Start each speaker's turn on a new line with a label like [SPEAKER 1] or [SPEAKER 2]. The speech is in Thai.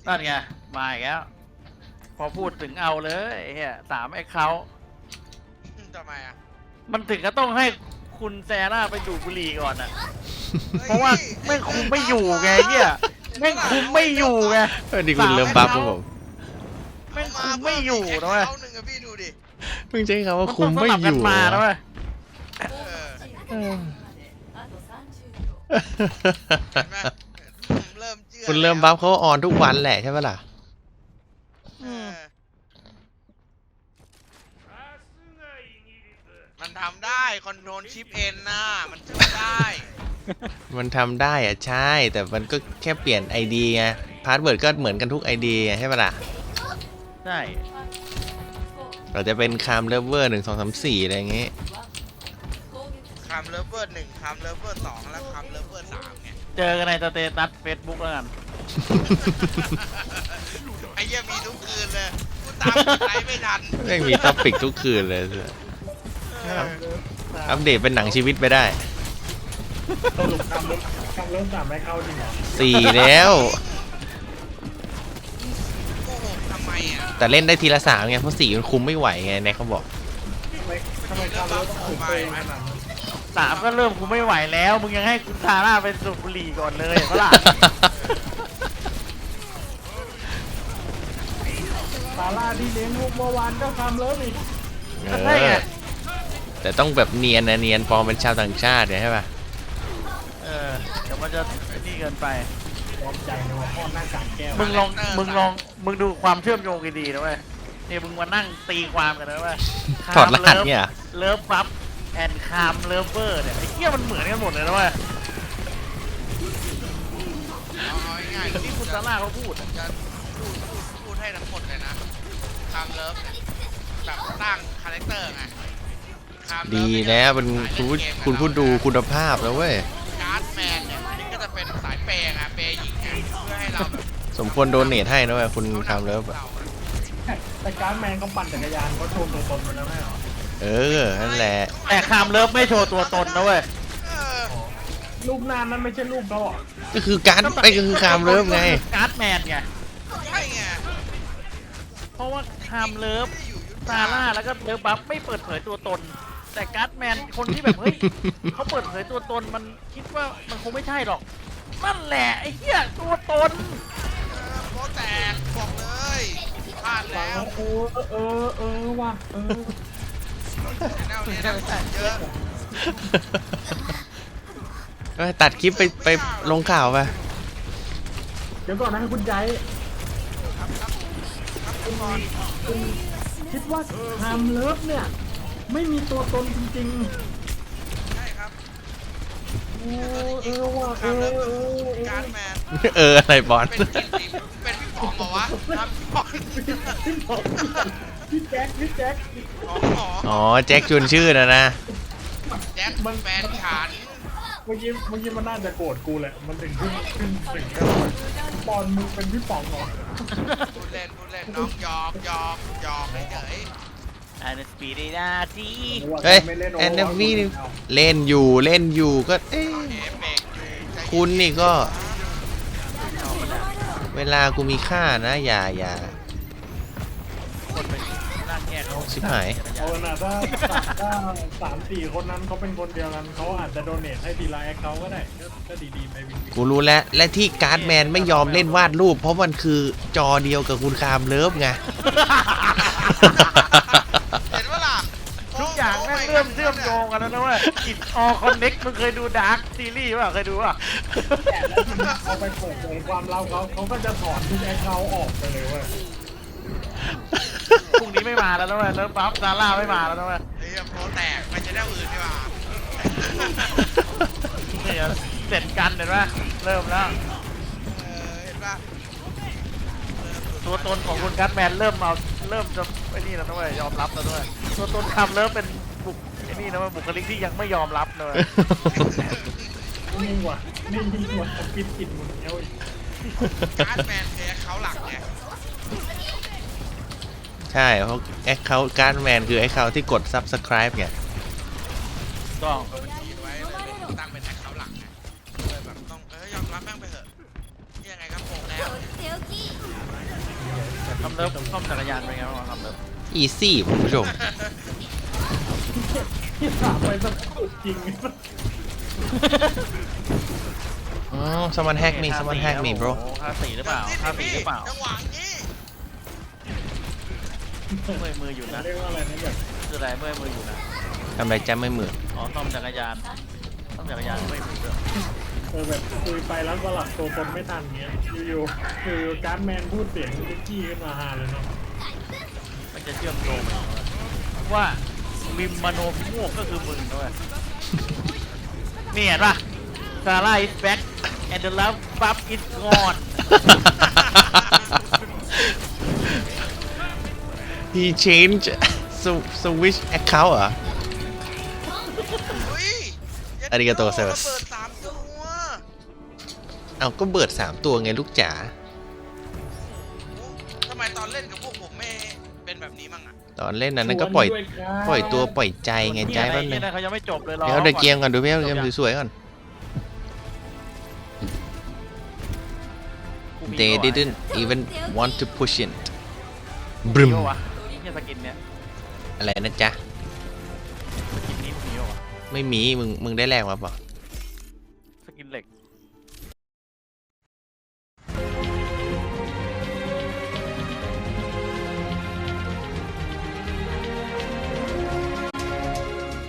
[SPEAKER 1] นั่นไงมาอีกแล้วพอพูดถึงเอาเลยเฮีย3 account
[SPEAKER 2] ทำไมอ่ะ
[SPEAKER 1] มันถึงก็ต้องให้คุณแซร่าไปดูดบุหรี่ก่อนอ่ะ เพราะว่าแม่งคุมไม่อยู่ไงเฮียแม่งคุมไม่อยู่ไง
[SPEAKER 3] นี่คุณเริ่มบัฟครับผม
[SPEAKER 1] แม่งคุมไม่อยู่นะเว้ย
[SPEAKER 2] เขาหนึ่งอะพี่ดูดิ
[SPEAKER 3] เพิ่งใช้คำว่าคุมไม่อยู่
[SPEAKER 1] นต้องสลับกันมานะเว้ย
[SPEAKER 2] เออเห็นไหมผมเริ่มเชื่อ
[SPEAKER 3] คุณเริ่มบัฟเขาออนทุกวันแหละใช่ปะล่ะ
[SPEAKER 2] เออมันทำได้คอนโทรลชิปเอ็นนะมันช่วยได้
[SPEAKER 3] มันทำได้อะใช่ แต่มันก็แค่เปลี่ยน ID ไงพาสเวิร์ดก็เหมือนกันทุก ID ไงใช่ปะล่ะ
[SPEAKER 1] ใช่
[SPEAKER 3] เราจะเป็นคามเลเวอร์1 2 3 4อะไรอย่างงี้
[SPEAKER 2] คามเลเวอร์หนึ่งคามเลเวอร์สองแล้วคามเลเวอร์สามไง
[SPEAKER 1] เจอกันในสเตตัสเฟซบุ๊กแล้วกัน
[SPEAKER 2] ไอ้เหี้ยมีทุกคืนเลยกูตามไลฟ์ไม่ทัน
[SPEAKER 3] แม่งมีท็อปิกทุกคืนเลย อัปเดตเป็นหนังชีวิตไปได้
[SPEAKER 4] สรุปคำเริ่ม3ไม่เข้าจริงเหรอ
[SPEAKER 3] 4 แล้ว
[SPEAKER 2] โกหกทำไมอ่ะ
[SPEAKER 3] แต่เล่นได้ทีละ3ไงเพราะ4มันคุมไม่ไหวไงแน็กเขาบอก
[SPEAKER 4] ทำไมคำเริ่มต้องถูกตัวเองขนาดนั้น
[SPEAKER 1] 3ก็เริ่มคุมไม่ไหวแล้ว มึงยังให้คุณซาร่าไปสูบบุหรี่ก่อนเลยเห็นปะล่ะ
[SPEAKER 4] ซาร่าที่เลี้ยงลูกเมื่อวานก็คำเริ่มอีก
[SPEAKER 1] ใช่ไง
[SPEAKER 3] แต่ต้องแบบเนียนนะเนียนปลอมเป็นชาวต่างชาติเนี่ยใช่ป่ะ
[SPEAKER 1] เดี๋ยวมันจะนี่เกินไป
[SPEAKER 4] ยอมใจในว่าพ่อหน้ากากแก้ว
[SPEAKER 1] มึงมึงดูความเชื่อมโยงดีๆนะเว้ยนี่มึงมานั่งตีความกันนะเว้ย
[SPEAKER 3] ถอดรหัสเนี่ยเหรอ
[SPEAKER 1] เลิฟบัฟแอนคามเลิฟเวอร์เนี่ยไอ้เหี้ยมันเหมือนกันหมดเลยนะเว้ย
[SPEAKER 2] เอาง่ายๆ
[SPEAKER 1] ที่คุณซาร่าเขาพูดอะ
[SPEAKER 2] จะพูดให้ทั้งหมดเลยนะคามเลิฟเนี่ยแบบตั้งคาแรคเตอร์ไงคามเลิฟ
[SPEAKER 3] ดี
[SPEAKER 2] เนี่ย
[SPEAKER 3] แล้วเป็นคุณผู้ดูคุณภาพแล้วเว้ย
[SPEAKER 2] การ์ดแมนเนี่ยนี่ก็จะเป็นสายเปย์ไงเปย์หญิงไงเพื่อให้เราแบบ
[SPEAKER 3] สมควรโดเนทให้นะเว้ยคุณคามเลิฟอะ
[SPEAKER 4] แต่การ์ดแมนเขาปั่นจักรยานเขาโชว์ตัวตนมาแล้วไม่เหรอ
[SPEAKER 3] เออ นั่นแหละ
[SPEAKER 1] แต่คามเลิฟไม่โชว์ตัวตนนะเว้ย
[SPEAKER 2] เออ
[SPEAKER 4] รูปหน้านั้นไม่ใช่รูปเขาเหรอ
[SPEAKER 3] ก็คือการไปก็คือคามเลิฟไง
[SPEAKER 1] การ์ดแมนไง
[SPEAKER 2] ใช่ไง
[SPEAKER 1] เพราะว่าคามเลิฟ
[SPEAKER 2] ที่อยู่ยุทธ
[SPEAKER 1] ซาร่าแล้วก็เลิฟบัฟไม่เปิดเผยตัวตน แต่การ์ดแมนคนที่แบบเฮ้ย เขาเปิดเผยตัวตนมันคิดว่ามันคงไม่ใช่หรอกนั่นแหละไอ้เหี้ยตัวตน
[SPEAKER 2] โปแตกบอกเลยพลาดแล้ว
[SPEAKER 4] ว่ะ
[SPEAKER 2] แนวนี้นะเยอะ
[SPEAKER 3] ก็ตัดคลิปไปลงข่าวไป
[SPEAKER 4] เดี๋ยวก่อนนะคุณใจ
[SPEAKER 2] ครับคุณบอล
[SPEAKER 4] คุณคิดว่าคำเลิฟเนี่ย ไม่มีตัวตนจริง
[SPEAKER 2] ใช่ครับ
[SPEAKER 4] ๆว่ะ
[SPEAKER 2] คามเลิฟการ์ดแมน
[SPEAKER 3] อะไรบอล
[SPEAKER 2] เป็นกินสีเป็นพี่ป๋องเหรอวะครับพี่ป๋อง
[SPEAKER 4] พี่แจ็ค
[SPEAKER 2] อ๋อ
[SPEAKER 3] อ๋อ แจ็คชวนชื่อนะ
[SPEAKER 2] แจ็คแฟนฉัน
[SPEAKER 4] เมื่อกี้มันน่าจะโกรธกูแหละ มันถึงขึ้นกันบอลมึงเป็นพี่ป๋องเหรอ
[SPEAKER 2] พูดเล่นน้องหยอกเฉย
[SPEAKER 1] อันสปีดนาที
[SPEAKER 3] เฮ้ยแอนนาวีเล่นอยู่ก็เอ๊ะ
[SPEAKER 2] เอฟเฟกต์อยู่ใจเย็น
[SPEAKER 3] คุณนี่ก็ เวลากูมีค่านะ อย่า
[SPEAKER 1] คนไปนั่งแยกเขา
[SPEAKER 3] ชิบหาย
[SPEAKER 4] เอาน่ะถ้า3-4 คนนั้นเขาเป็นคนเดียวกันเขาอาจจะโดเนทให้ทีละแอคเขาก็ได้ก็ดีๆไปวิน
[SPEAKER 3] กูรู้แล้ว และที่การ์ดแมนไม่ยอมเล่นวาดรูป เพราะมันคือจอเดียวกับคุณคามเลิฟไง
[SPEAKER 2] เห็นว่าล่ะ
[SPEAKER 1] ทุกอย่างแม่งเชื่อมโยงกันแล้วนะเว้ยอิดออคอนเน็กมึงเคยดูดาร์คซีรีส์ป่ะเคยดูป่ะ
[SPEAKER 4] แต่แล้วทีนี้เขาไปเปิดเผยความลับเขาก็จะถอนทุกแอคเขาออกไปเลยเว้ย
[SPEAKER 1] พรุ่งนี้ไม่มาแล้วนะเว้ยเลิฟบัฟซาร่าไม่มาแล้วนะเว้ย
[SPEAKER 2] เฮ้ยโปรแตกมันจะได้อื่นดีกว่า
[SPEAKER 1] เนี่ยเสร็จกันเห็นป่ะเริ่มแล้ว
[SPEAKER 2] เห็นป่ะ
[SPEAKER 1] ตัวตนของคุณกัตแมนเริ่มจะไอ้นี่แล้วนะเว้ยยอมรับแล้วด้วยตัวตนคำเริ่มเป็นไอ้นี่นะเว้ยบุคลิกที่ยังไม่ยอมรับเลย
[SPEAKER 4] นี่ยิ่งกว่าปิดกินมึงเอ้ย
[SPEAKER 2] การ์ดแมนคือเขาหลักไง
[SPEAKER 3] ใช่เพราะแอคเคาท์การ์ดแมนคือแอคเคาท์ที่กด subscribe ไง
[SPEAKER 1] ต้อง
[SPEAKER 2] บัญชีไว้เลยตั้งเป็นแอคเขาหลักไงเลยแบบต้องยอมรับแม่งไปเถอะยังไงก็โกงแล้ว
[SPEAKER 1] ทำเลิฟซ่อมจักรยานเป็นไงบ้างทำเลิฟ
[SPEAKER 3] อีซี่คุณผู้ชม
[SPEAKER 4] ที่ถามไปสักจริง
[SPEAKER 3] อ๋อ someone hack me someone hack me bro
[SPEAKER 1] ท่าสี่หรือเปล่าท่าสี่หรือเปล่า
[SPEAKER 2] จังหวะนี้
[SPEAKER 1] เมื่อยมืออยู่นะ
[SPEAKER 4] เรียกว่าอะไรนะแบบ
[SPEAKER 1] คืออะไรเมื่อยมืออยู่นะ
[SPEAKER 3] ทำไรจ้าไม่เหมือน
[SPEAKER 1] อ๋อซ่อมจักรยานซ่อมจักรยานเมื่อยมือด้วย
[SPEAKER 4] แบบคุยไปแล้วสลับตัวตนไม่ทันเงี้ยอยู่ๆคือการ์ดแมนพูดเสียงคุกกี้ขึ้นมาฮาเลยเนาะ
[SPEAKER 1] มันจะเชื่อมโยงไปว่ามิมมโนพิโมกก็คือมึงด้วยนี่เห็นป่ะซาร่า is back and the love bub is gone
[SPEAKER 3] he changed switch account เหรอ
[SPEAKER 2] อุ้ย
[SPEAKER 3] อาริกาโตเซอร์
[SPEAKER 2] เปิด3 ตัว
[SPEAKER 3] เอาก็เบิด3 ตัวไงลูกจ๋า
[SPEAKER 2] ทำไมตอนเล่นกับพวกผมไม่เป็นแบบนี้มั่งอ่ะ
[SPEAKER 3] ตอนเล่นนั้นก็ปล่อยตัวปล่อยใจไงใจ
[SPEAKER 1] เนี่ย
[SPEAKER 3] แป๊บนึ
[SPEAKER 1] เนี่ย
[SPEAKER 3] ง
[SPEAKER 1] นะเขายังไม่จบเลยรอ
[SPEAKER 3] เดี๋ยวเดี๋ยวเกมก่อนดูเกมสวยๆก่อน they didn't even want to push it บรึม
[SPEAKER 1] มีปะวะเนี่ยสกินเนี่ย
[SPEAKER 3] อะไรนะจ๊ะ
[SPEAKER 1] สกินนี้มีปะวะ
[SPEAKER 3] ไม่มีมึงได้แลกมาเปล่า
[SPEAKER 1] สกินเหล็ก